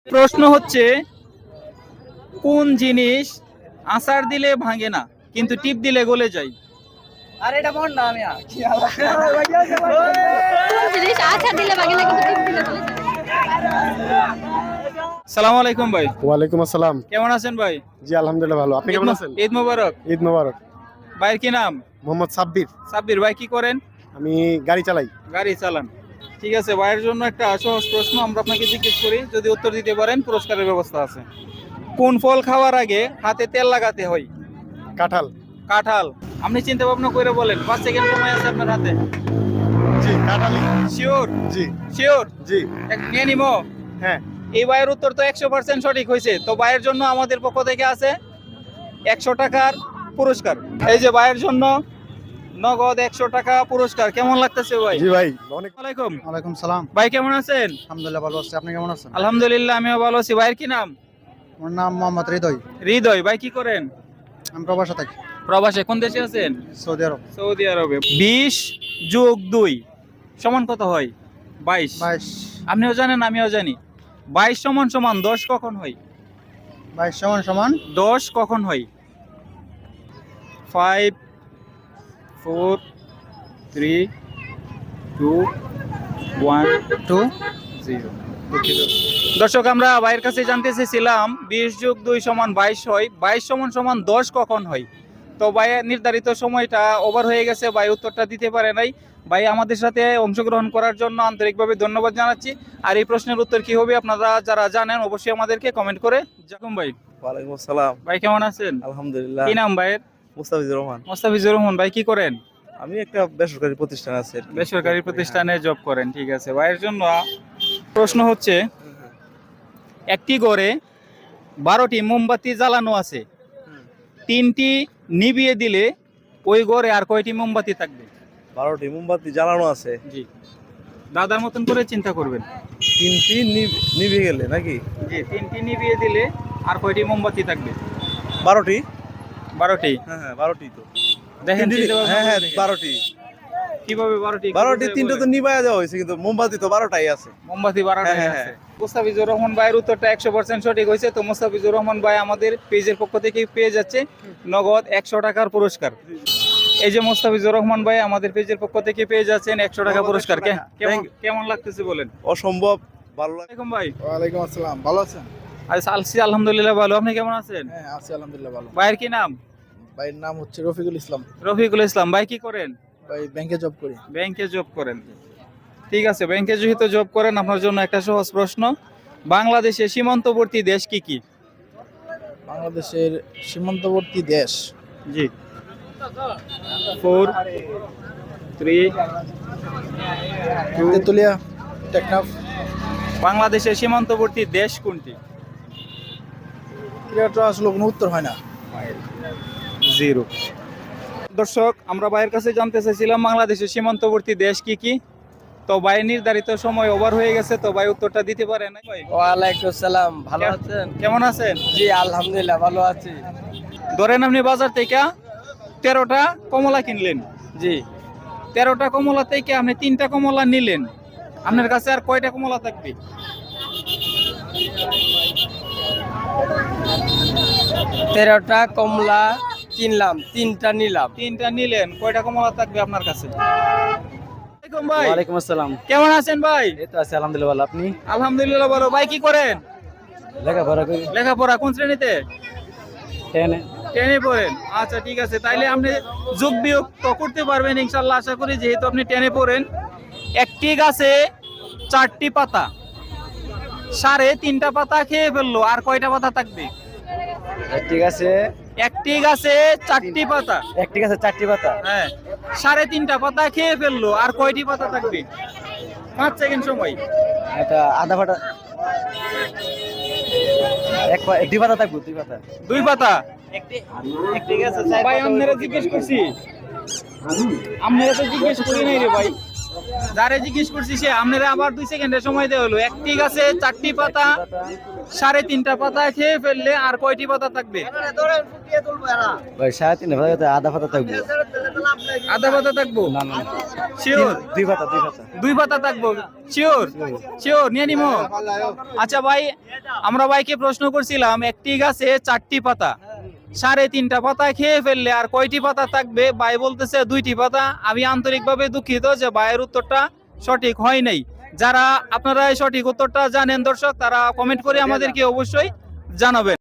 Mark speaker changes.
Speaker 1: প্রশ্ন হচ্ছে, কোন জিনিস আছাড় দিলে ভাঙে না কিন্তু টিপ দিলে গলে যায়?
Speaker 2: আরে এটা মন না আমি
Speaker 3: কোন জিনিস আছাড় দিলে ভাঙে না কিন্তু টিপ দিলে গলে যায়?
Speaker 1: সালাম আলাইকুম ভাই।
Speaker 4: ওয়ালাইকুম আসসালাম।
Speaker 1: কেমন আছেন ভাই?
Speaker 4: জি আলহামদুলিল্লাহ ভালো। আপনি কেমন আছেন?
Speaker 1: ঈদ মোবারক।
Speaker 4: ঈদ মোবারক।
Speaker 1: ভাইয়ের কি নাম?
Speaker 4: মোহাম্মদ সাব্বির।
Speaker 1: সাব্বির ভাই, কি করেন?
Speaker 4: আমি গাড়ি চালাই।
Speaker 1: গাড়ি চালান। ঠিক আছে, ভাইয়ের জন্য একটা সহজ প্রশ্ন আমরা আপনাকে জিজ্ঞেস করি, যদি উত্তর দিতে পারেন পুরস্কারের ব্যবস্থা আছে। কোন ফল খাওয়ার আগে হাতে তেল লাগাতে হয়?
Speaker 4: কাঁঠাল।
Speaker 1: কাঁঠাল। আপনি চিন্তা ভাবনা করে বলেন, 5 সেকেন্ড সময় আছে আপনার হাতে।
Speaker 4: জি কাঁঠালই।
Speaker 1: শিওর?
Speaker 4: জি
Speaker 1: শিওর?
Speaker 4: জি
Speaker 1: নিয়ে নিবো।
Speaker 4: হ্যাঁ।
Speaker 1: এই ভাইয়ের উত্তর তো 100% সঠিক হয়েছে। তো ভাইয়ের জন্য আমাদের পক্ষ থেকে আছে 100 টাকার পুরস্কার। এই যে ভাইয়ের জন্য নগদ 100 টাকা পুরস্কার। কেমন লাগতেছে ভাই?
Speaker 4: জি ভাই অনেক।
Speaker 1: ওয়ালাইকুম।
Speaker 2: ওয়ালাইকুম সালাম।
Speaker 1: ভাই কেমন আছেন?
Speaker 2: আলহামদুলিল্লাহ ভালো আছি, আপনি কেমন আছেন?
Speaker 1: আলহামদুলিল্লাহ আমিও ভালো আছি। ভাইয়ের কি নাম?
Speaker 2: আমার নাম মোহাম্মদ হৃদয়।
Speaker 1: হৃদয় ভাই, কি করেন?
Speaker 2: আমি প্রবাসে থাকি,
Speaker 1: প্রবাসে। কোন দেশে আছেন?
Speaker 2: সৌদি আরব।
Speaker 1: সৌদি আরবে। 20 যোগ 2 সমান কত হয়? 22।
Speaker 2: 22।
Speaker 1: আপনিও জানেন আমিও জানি। 22 সমান সমান 10 কখন হয়?
Speaker 2: 22 সমান সমান
Speaker 1: 10 কখন হয়? 5 4 3 2 1
Speaker 2: 2।
Speaker 1: 0। দর্শক, আমরা ভাইয়ের কাছে জানতে চেয়েছিলাম 20 যোগ 2 সমান 22 হয়, 22 সমান সমান 10 কখন হয়। তো ভাইয়ের নির্ধারিত সময়টা ওভার হয়ে গেছে, ভাই উত্তরটা দিতে পারে নাই। ভাই আমাদের সাথে অংশগ্রহণ করার জন্য আন্তরিকভাবে ধন্যবাদ জানাচ্ছি। আর এই প্রশ্নের উত্তর কি হবে আপনারা যারা জানেন অবশ্যই আমাদেরকে কমেন্ট করে জানাবেন। ভাই
Speaker 5: ওয়ালাইকুম আসসালাম।
Speaker 1: ভাই কেমন আছেন?
Speaker 5: আলহামদুলিল্লাহ।
Speaker 1: কি নাম ভাইয়ের?
Speaker 5: মুস্তাফিজুর রহমান।
Speaker 1: মোস্তাফিজুর রহমান ভাই, কি করেন?
Speaker 5: আমি একটা বেসরকারি প্রতিষ্ঠান আছে আর কি।
Speaker 1: বেসরকারি প্রতিষ্ঠানে জব করেন। ঠিক আছে, ভাইয়ের জন্য প্রশ্ন হচ্ছে, একটি ঘরে 12টি মোমবাতি জ্বালানো আছে, 3টি নিভিয়ে দিলে ওই ঘরে আর কয়টি মোমবাতি থাকবে?
Speaker 5: 12টি মোমবাতি জ্বালানো আছে,
Speaker 1: জি, দাদার মতন করে চিন্তা করবেন।
Speaker 5: 3টি নিভে গেলে নাকি?
Speaker 1: জি, 3টি নিভিয়ে দিলে আর কয়টি মোমবাতি থাকবে?
Speaker 5: 12টি।
Speaker 1: 12টি।
Speaker 5: হ্যাঁ 12টি তো
Speaker 1: দেখেন,
Speaker 5: হ্যাঁ 12টি।
Speaker 1: কিভাবে 12টি?
Speaker 5: 12টি, 3টা তো নিভায়া দেওয়া হয়েছে কিন্তু মোমবাতি তো 12টাই আছে।
Speaker 1: মোমবাতি 12টাই
Speaker 5: হ্যাঁ,
Speaker 1: আছে।
Speaker 5: হ্যাঁ।
Speaker 1: মুস্তাফিজুর রহমান ভাইয়ের উত্তরটা 100% সঠিক হয়েছে। তো মুস্তাফিজুর রহমান ভাই আমাদের পেজের পক্ষ থেকে পেয়ে যাচ্ছে নগদ 100 টাকার পুরস্কার। এই যে মুস্তাফিজুর রহমান ভাই আমাদের পেজের পক্ষ থেকে পেয়ে যাচ্ছেন 100 টাকা পুরস্কার। কেমন লাগতেছে বলেন?
Speaker 5: অসম্ভব ভালো লাগে।
Speaker 1: ওয়ালাইকুম ভাই।
Speaker 2: ওয়ালাইকুম আসসালাম, ভালো আছেন?
Speaker 1: আছি আলহামদুলিল্লাহ ভালো। আপনি কেমন আছেন?
Speaker 2: হ্যাঁ আছি আলহামদুলিল্লাহ ভালো।
Speaker 1: ভাইয়ের কি নাম?
Speaker 2: ভাইয়ের নাম হচ্ছে রফিকুল ইসলাম।
Speaker 1: রফিকুল ইসলাম ভাই, কি করেন?
Speaker 2: ভাই ব্যাংকে জব করি।
Speaker 1: ব্যাংকে জব করেন। ঠিক আছে, ব্যাংকে যেহেতু জব করেন আপনার জন্য একটা সহজ প্রশ্ন, বাংলাদেশের সীমান্তবর্তী দেশ কি কি?
Speaker 2: বাংলাদেশের সীমান্তবর্তী দেশ।
Speaker 1: জি, 4 3 2।
Speaker 2: তেতুলিয়া, টেকনাফ।
Speaker 1: বাংলাদেশের সীমান্তবর্তী দেশ কোনটি?
Speaker 2: এটা আসলে কোনো উত্তর হয় না।
Speaker 1: 0। দর্শক, আমরা ভাইয়ের কাছে জানতে চাইছিলাম বাংলাদেশের সীমান্তবর্তী দেশ কি কি। তো ভাই নির্ধারিত সময় ওভার হয়ে গেছে, তো ভাই উত্তরটা দিতে পারে না। ভাই
Speaker 2: ওয়ালাইকুম সালাম, ভালো আছেন?
Speaker 1: কেমন আছেন?
Speaker 2: জি আলহামদুলিল্লাহ ভালো আছি।
Speaker 1: ধরেন আপনি বাজার থেকে 13টা কমলা কিনলেন।
Speaker 2: জি
Speaker 1: 13টা কমলা থেকে আপনি 3টা কমলা নিলেন, আপনার কাছে আর কয়টা কমলা থাকবে?
Speaker 2: 13টা কমলা কিনলাম, 3টা নিলাম।
Speaker 1: 3টা নিলেন, কয়টা কমলা থাকবে আপনার কাছে? ওয়ালাইকুম ভাই।
Speaker 2: ওয়ালাইকুম আসসালাম।
Speaker 1: কেমন আছেন ভাই?
Speaker 2: এই তো আছি আলহামদুলিল্লাহ ভালো। আপনি?
Speaker 1: আলহামদুলিল্লাহ ভালো। ভাই কি করেন?
Speaker 2: লেখাপড়া করি।
Speaker 1: লেখাপড়া কোন শ্রেণীতে?
Speaker 2: 10
Speaker 1: 10-এ পড়েন। আচ্ছা ঠিক আছে, তাইলে আপনি যোগ বিয়োগ তো করতে পারবেন ইনশাআল্লাহ, আশা করি, যেহেতু আপনি 10-এ পড়েন। একটি গাছে 4টি পাতা, 3.5টা পাতা খেয়ে ফেললো, আর কয়টা পাতা থাকবে?
Speaker 2: ঠিক আছে।
Speaker 1: একটি গাছে 4টি পাতা,
Speaker 2: একটি গাছে 4টি পাতা।
Speaker 1: হ্যাঁ, 3.5টা পাতা খেয়ে ফেললো, আর কয়টি পাতা থাকবে? 5 সেকেন্ড সময়।
Speaker 2: এটা আধা পাতা। দুই পাতা থাকবে, 2 পাতা।
Speaker 1: 2 পাতা।
Speaker 2: একটি গাছে
Speaker 1: ভাই আপনারা জিজ্ঞেস করছি, আপনারা তো জিজ্ঞেস করি নাই রে ভাই। যারে জিজ্ঞেস করছি সে আপনারা আবার 2 সেকেন্ডের সময় দেওয়া হলো। একটি গাছে 4টি পাতা, 3.5টা পাতা খেয়ে ফেললে আর কয়টি পাতা থাকবে?
Speaker 2: ভাই 3.5 পাতা আধা পাতা থাকবো।
Speaker 1: আধা পাতা থাকবো?
Speaker 2: না না
Speaker 1: শিওর?
Speaker 2: 2 পাতা 2 পাতা
Speaker 1: 2 পাতা থাকবো? শিওর? শিওর নিয়ে নিমো? আচ্ছা ভাই, আমরা ভাইকে প্রশ্ন করছিলাম একটি গাছে 4টি পাতা, 3.5টা পাতা খেয়ে ফেললে আর কয়টি পাতা থাকবে? ভাই বলতেছে 2টি পাতা। আমি আন্তরিকভাবে দুঃখিত যে ভাইয়ের উত্তরটা সঠিক হয় নাই। যারা আপনারা এই সঠিক উত্তরটা জানেন দর্শক, তারা কমেন্ট করে আমাদেরকে অবশ্যই জানাবেন।